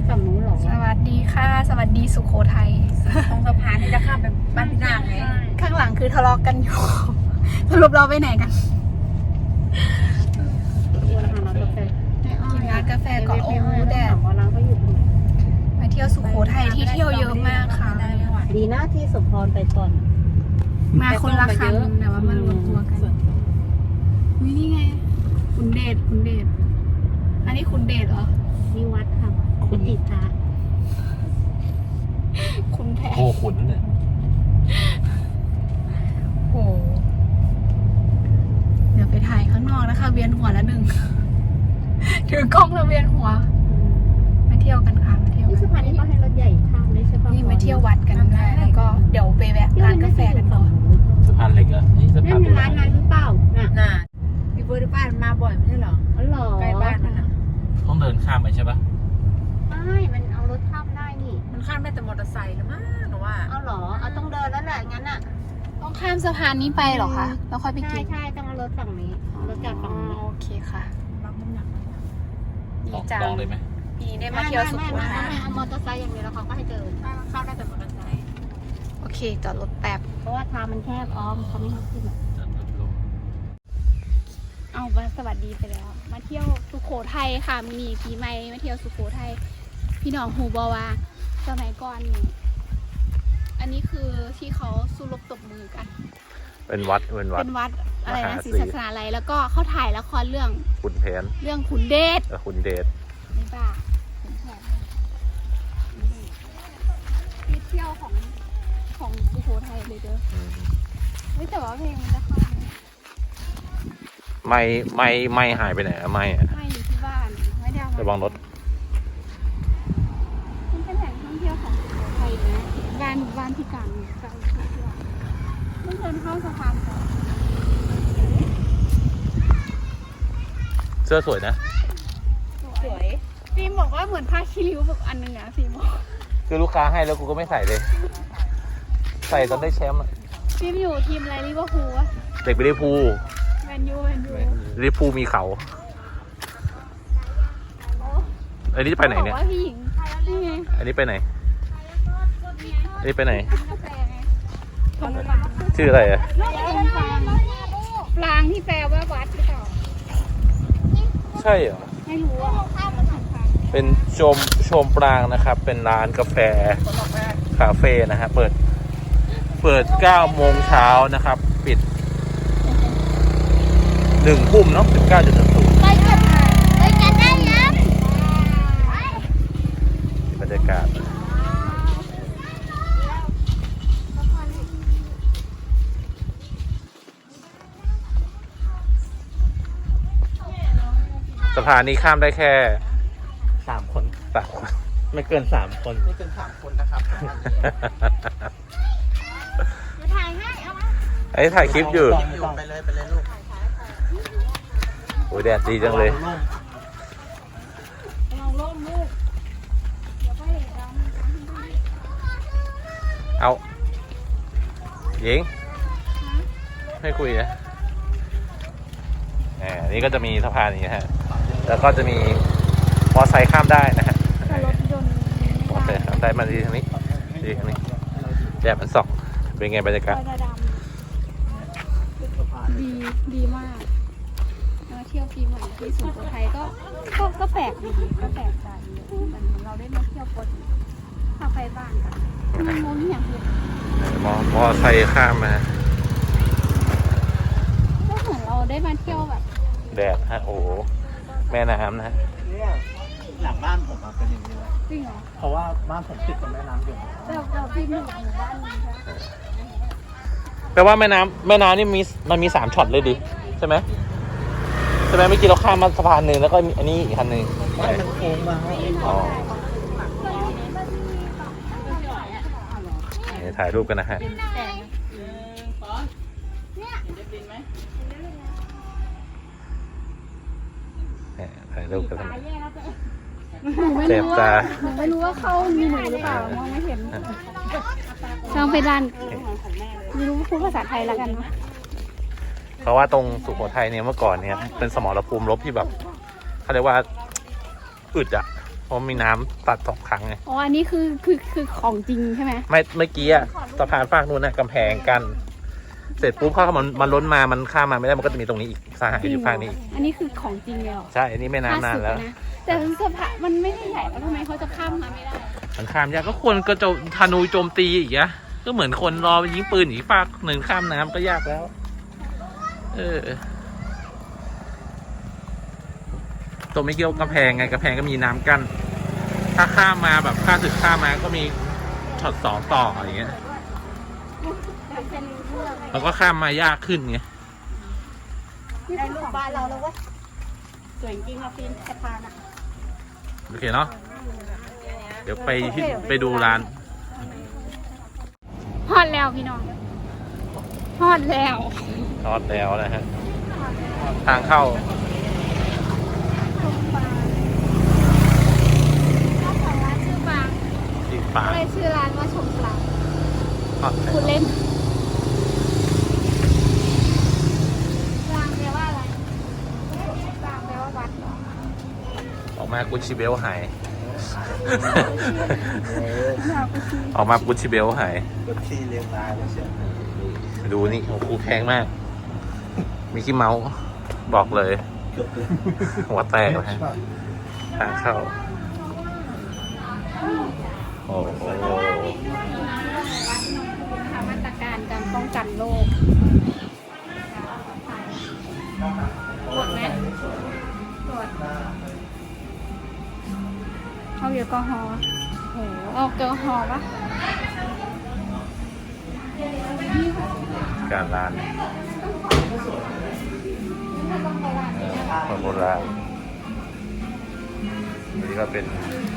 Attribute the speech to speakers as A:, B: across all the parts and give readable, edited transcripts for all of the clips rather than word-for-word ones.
A: ฝั่งนู้นหรอ
B: สวัสดีค่ะสวัสดีสุโขทัย
A: ตรงสะพานที่จะข้ามไปบ้านพี่นางไง
B: ข้างหลังคือทะเลาะกันอยู่ สรุปเราไปไหนกันกินร้านกาแฟก่อนโอ้แดดมาเที่ยวสุโขทัยที่เที่ยวเยอะมากค่ะ
A: ดีนะที่สมพรไปก่อน
B: มาคนละคันแต่ว่ามารวมตัวกันนี่ไงคุณเดชอันนี้คุณเดชเหรอ
A: นี่วัดค่ะคุณติพระ
B: คุณแพ
C: โคขุนเนี่ย
B: โหเดี๋ยวไปถ่ายข้างนอกนะคะ เวียนหัวละหนึ่ง ถือกล้องแล้วเวียนหัวมาเที่ยวกันค่ะมาเที่ยว
A: นี่
B: กั
A: สะพานนี้เขาให้รถใหญ่ข้ามไม่ใช่ปะ
B: นี่มาเที่ยววัดกันได้แล้วก็เดี๋ยวไปแวะร้านกาแฟกันก่อน
C: สะพานเหล็กอ่ะนี่สะ
A: นั่
C: พาน
A: น
C: โบ
A: ร้า
C: ราณ
A: นนั้นหรือเปล่าน่ะ
D: พี่เบิร์ดบ้านมาบ่อยไม่ใช่เหรอ
A: อ๋อเหรอ
D: ใกล้บ้านนั่นน่ะ
C: ต้องเดินข้ามไปใช่ปะ
A: ไม่มันเอารถข้ามได้นี่
D: มันข้ามได้แต่มอเตอร์ไซค์แล้วมั้งหนูว่า
A: เอาเหรอเอาต้องเดินแล้วแหละงั้นอ่ะ
B: ต้องข้ามสะพานนี้ไปเหรอคะแล้วค่อยไปกิน
A: ใช่ต้องเอารถฝั่งนี้เอารถจากฝั่งนี้
B: โอเคค่ะ
D: รับน้ำหนัก
B: ดีจัง
C: ลองเลยไหม
B: ดีได้มาเที่ยวสุโขทัย
A: ไม่เอามอเตอร์ไซค์อย่างเดียวแล้วเขาก็ให้เดิน
D: เข้าได้แต่มอเตอร์ไซค์
B: โอเคจอดรถแป๊บ
A: เพราะว่าทางมันแคบอ้อมเขาไม่ให้ขึ้น
B: เอามาสวัสดีไปแล้ว มาเที่ยวสุโขทัยค่ะมีปีใหม่มาเที่ยวสุโขทัยพี่น้องฮูบอว่าสมัยก่อนนี่อันนี้คือที่เขาสู้รบตบมือกัน
C: เป็นวัด
B: เป็นวัดอะไร
C: มหา
B: นะ
C: ศรี
B: ศรีศาสนาอะไรแล้วก็เขาถ่ายละครเรื่อง
C: ขุนแผน
B: ขุนเดช
C: ขุนเดช
B: นี่ป่ะขุนแผนที่เที่ยวของสุโขทัยเลยเด้อเฮ้ยแต่ว่าเพลงมันจะเข้าไหม
C: ไม่หายไปไหนอะไม่อะ
B: ไม่อยู่ที่บ้านไม่ได้เอามา
C: ระวังรถ
B: มันเป็นแหล่งท่องเที่ยวของสุโขทัยนะบ้านที่กลางไกลที่เที่ยวไม่เดินเข้าสะพานก่อน
C: เสื้อสวยนะ
B: สวยฟิล์มบอกว่าเหมือนผ้าคีริ้วแบบอันนึงอะฟิล์มบอก
C: คือลูกค้าให้แล้วกูก็ไม่ใส่เลย ใส่ตอนได้แชมป์อะ
B: ฟิล์มอยู่ทีมอะไรลิเวอร์พูลวะ
C: เด็กไปลิเวอร์พูล
B: แมนยู
C: ลิเวอร์พูลมีเขาอันนี้จะไปไหนเนี่ย
B: บอกว่าพี่หญิงนี่ไง
C: อันนี้ไปไหนอันนี้ไปไหน
B: กาแฟไงของปลา
C: ชื่ออะไรอะ
B: ปลางที่แปลว่าวัดหรือเปล่า
C: ใช่เหรอ
B: ไม่รู้อ่ะ
C: เป็นชมปรางนะครับ เป็นร้านกาแฟคาเฟ่นะฮะเปิด9 โมงเช้านะครับ ปิด1 ทุ่มเนาะ19.00
A: ไปกันได้ยัง
C: บรรยากาศสะพานนี้ข้ามได้แค่3 คนไม่เกิน3 คนไม่เกิน3 คนนะครับ
A: ถ่ายให้เอามา
C: ไอ้ถ่ายคลิปอยู่
D: ไปเลยลูก
C: โอ้ยแดดดีจังเลย
B: ลองร่มลูกเดี๋ยวไปเห็นเรา
C: เอาหญิงให้คุยนะนี่ก็จะมีสะพานนี้ฮะแล้วก็จะมีมอไซค์ข้ามได้นะฮะ
B: แต่รถยนต์
C: มอไซค์ข้ามได้มาดีทางนี้แดดมันส่องเป็นไงบรรยากาศ
B: ก็จะดำดีมากมาเที่ยวปีใหม่ที่สุโขทัยก็แปลกดีก็แปลกใจมันเราได้มาเที่ยวปกติถ้าไปบ้านกันมันงงอย่างเดียว
C: มอไซค์ข้ามมา
B: ก็เหมือนเราได้มาเที่ยวแบบ
C: แดดฮะโอ้โหแม่น้ำนะฮะ
E: เนี่ยหลังบ้านผมเป็นอย่างนี้เลย
B: จริงเหรอ
E: เพราะว่าบ้านผมติดกับแม่น้ำอยู่
B: แต่พี่หมู่บ้านนี้ใช่
C: แปลว่าแม่น้ำนี่มันมี3 ช็อตเลยดิใช่ไหมเมื่อกี้เราข้ามมาสะพานหนึ่งแล้วก็มีอันนี้อีกคันหนึ่ง
E: มันโค้งมา
C: อ๋อนี่ถ่ายรูปกันนะฮะถ่ายรูปกันนะเจ็บตา
B: หนูไม่รู้ว่าเขามีหนูหรือเปล่ามองไม่เห็นลองไปดันไม่รู้พูดภาษาไทยแล้วกันนะ
C: เพราะว่าตรงสุโขทัยเนี่ยเมื่อก่อนเนี่ยเป็นสมรภูมิรบที่แบบเขาเรียกว่าอึดอะเพราะมีน้ำตัด2 ครั้งไง
B: อ๋ออันนี้คือของจริงใช่ไหม
C: ไม่เมื่อกี้อะสะพานฝั่งนู้นนะกำแพงกัน เสร็จปุ๊บพอมันล้นมามันข้ามมาไม่ได้มันก็จะมีตรงนี้อีกสหายอยู่ฝั่งนี้อีก
B: อันนี้คือของจริงเลยเหรอ
C: ใช่ อันนี้ไม่นานแล้ว
B: นะแต่สะพานมันไม่ได้ใหญ่แล้วทำไมเขาจะข้ามมาไม่ได้
C: มันข้ามยากก็ควรก็จะธนูโจมตีอีกอะก็เหมือนคนรอยิงปืนอีกฝากหนึ่งข้ามน้ำก็ยากแล้ว ตัวไม่เกี่ยวกำแพงไงกำแพงก็มีน้ำกั้นถ้าข้ามมาแบบข้ามศึกข้ามมาก็มีช็อต2ต่ออย่างเงี้ยแล้วก็ข้ามมายากขึ้นไง
A: ได้ลูกบ้านเราแล้วเว้ยสวยจริงอ่ะฟินสะพานอ่ะ
C: โอเคเนาะเดี๋ยวไปดูร้าน
B: ฮอดแล้วพี่น้องฮอดแล้ว
C: ทอดแล้วนะฮะทางเข้า
B: เจ้าของร้านชื่อปาง
C: อีกฝา
B: ก็เลยชื่อร้านว่าชมปาง
C: ทอด
B: คุณเล่นปางแปลว่าอะไรปางแปลว่าวัดเหรอ
C: ออกมากุชิเบลหาย ออกมากุชิเบลหาย
E: รถที่เลี้ยงตายแล้วเชียว
C: ดูนี่โอ้โหแพงมาก มีขี้เมาส์บอกเลย หัวแตกนะฮะทางเข้า โอ้โห
B: มาตรการการป้องกันโรคตรวจไหมตรวจเอาแอลกอฮอล์โหเอาแอลกอฮอล์ปะ
C: การร้านคนโบราณนี่ก็เป็น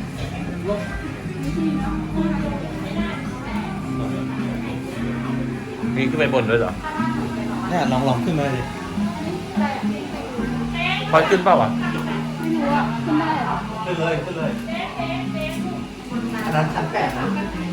C: มีขึ้นไปบนด้วยเหรอ
E: เนี่ยลองขึ้นมาดิ
C: พอขึ้นเปล่าวะ
B: ไม่รู้อะขึ้นได้เหรอ
E: ขึ้นเลยอันนั้นชั้น8นะ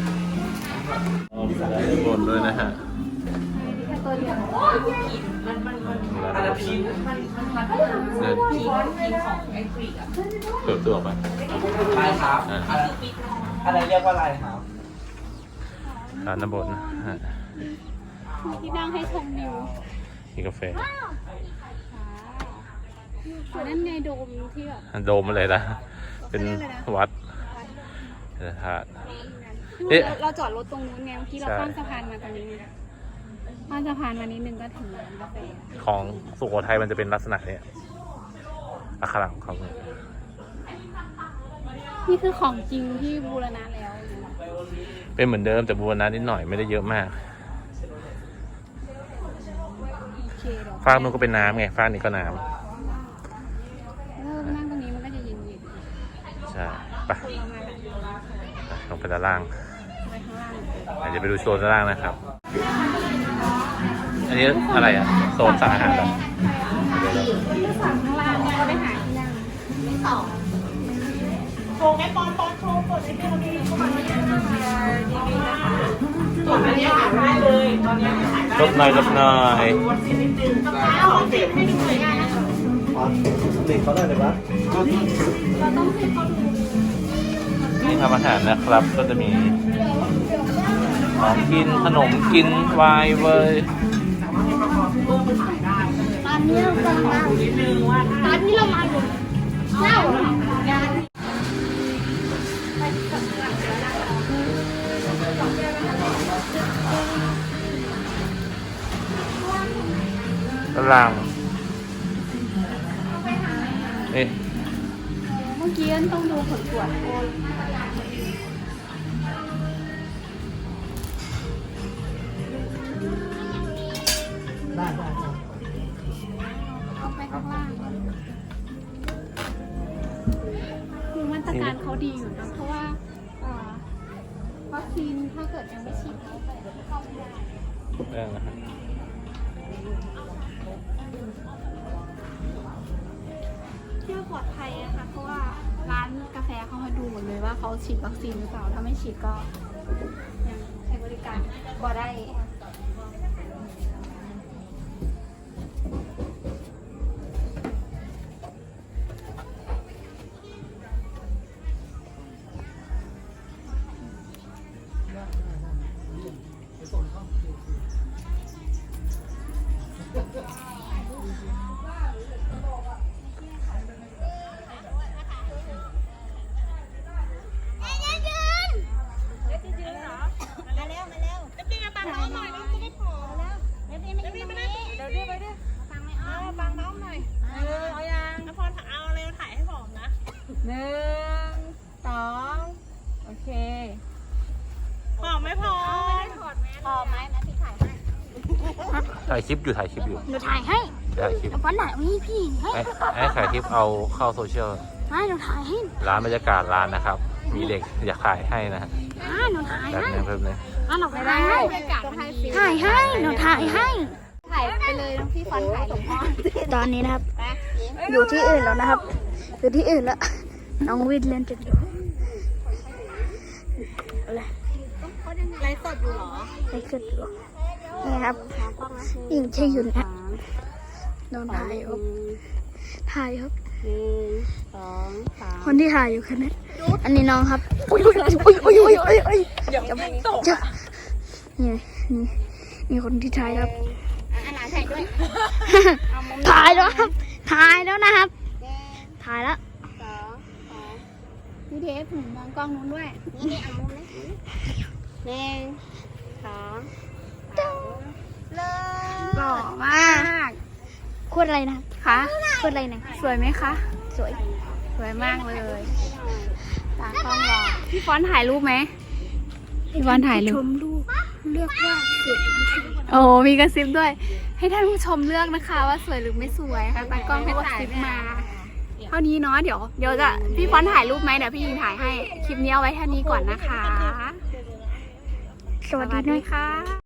C: มีบนด้วยนะฮะ
B: แค่ตัวเดียว
D: อันนั้นพี
C: เดิน
D: พีของไอ้ฟรีกอะ
C: เปิดตัวไป
E: ลายครับอะไรเรียกว่าลายครับ
C: ร้านน้ำบนนะฮะ
B: มีที่นั่งให้ชมวิว
C: มีกาแฟ
B: อยู่นั่นไงโดมที่แบบ
C: โดมมาเลยนะ เป็นวัดเป็นธาตุ เอ๊ะ
B: เราจอดรถตรงนู้นไงเมื่อกี้เรา
C: ใช่
B: ข้ามสะพานมาตรงนี้ข้ามสะพานมานิดนึงก็ถึงร้านกาแฟ
C: ของสุโขทัยมันจะเป็นลักษณะเนี้ยอักขระของเขาเนี่ย
B: นี่คือของจริงที่บูรณะแล้ว
C: เป็นเหมือนเดิมแต่บูรณะนิดหน่อยไม่ได้เยอะมาก
B: โอเคเดี๋ยว
C: ฟากนู้นก็เป็นน้ำไงฟากนี้ก็น้
B: แล้วนั่งตรงนี้มันก็จะเย็น
C: ำใช่ไป
B: ๆเรามาแบบ
C: ลงไปด้านล่าง
B: ไปข้างล่าง
C: เดี๋ยวไปดูโซนด้านล่างนะครับ อันนี้อะไรอ่ะโซนสั่งอาหารเหรอ
B: จะสั่งข้างล่างเนี่ยก็ไปหาที่นั่งไม่ต่อ
C: ลบหน่อยลบหน่อย
A: เอาของติดให้ดูเลยได้นะ
E: อ๋อติดเขาได้เลยวะ
B: เราต้องให้เขาดู
C: นี่ทำอาหารนะครับ ก็จะมีของกินขนมกินไวน์เว้ย
A: ตอนนี้เรากำลังมาตอนนี้เรามาอยู่เล่าเหรอ
C: ด้านล่างนี่
B: เมื่อกี้ต้องดูผลตรวจโอน
E: ได้
B: เอาไปข้างล่างคือมาตรการเขาดีอยู่นะเพราะว่าวัคซีนถ้าเกิดยังไม่ฉีดแล้วไปเข้าไม่ได้
C: ได้นะฮะ
B: เที่ยวปลอดภัยนะคะเพราะว่าร้านกาแฟเขาให้ดูหมดเลยว่าเขาฉีดวัคซีนหรือเปล่าถ้าไม่ฉีดก็ยังใช้บริการบ่ได้
C: ถ่ายคลิปอยู่
A: หนูถ่ายให้
C: ถ่ายคลิป
A: แล้ววันไหนนี่พี่ให้
C: ให้ถ่ายคลิปเอาเข้าโซเชียล
A: ให้หนูถ่ายให้
C: ร้านบรรยากาศร้านนะครับ มีเด็กอยากถ่ายให้นะฮะ
A: หนูถ่าย
C: แบบ
A: ให้
C: นี้เพิ่มเลย
A: หนูถ่ายให้
B: บรรยากาศมันดี
A: ถ่ายให้หนูถ่ายให้
B: ถ่ายไปเลยน้องพี่ฟอนถ่ายเลย
A: ตอนนี้นะครับ อยู่ที่อื่นแล้วนะครับ อยู่ที่อื่นแล้ว น้องวิทย์เล่นจนอยู่ไลฟ์สดอยู่เหรอไลฟ์สดอยู่นี่ครับยิงใช่ยุนนะโดนถ่ายครับถ่ายครับคนที่ถ่ายอยู่คือนั้นอันนี้น้องครับอุ้ยจะนี่คนที่ถ่ายครับ
B: ถ่ายด้วย
A: ถ่ายแล้วครับ ถ่ายแล้วนะครับ ถ่ายแล้ว
B: พี่เทปหนูมองกล้องนู้นด้วย หล่อมาก
A: พูดอะไรนะ
B: ค่ะ
A: พูดอะไรนะ
B: สวยไหมคะ
A: สวย
B: สวยมากเลยตากล้องรอพี่ฟอนถ่ายรูปไหมพี่ฟอนถ่ายรู
A: ช
B: ป
A: มรูปเลือกว่าสวย
B: โอ้มีกระซิบด้วย ให้ท่านผู้ชมเลือกนะคะ ว่าสวยหรือไม่สวยค่ะตากล้องให้กระซิบมา เท่านี้เนาะเดี๋ยวจะพี่ฟอนถ่ายรูปไหมเดี๋ยวพี่ยิงถ่ายให้คลิปนี้เอาไว้เท่านี้ก่อนนะคะ
A: สวัสดีด้วย
B: ค่ะ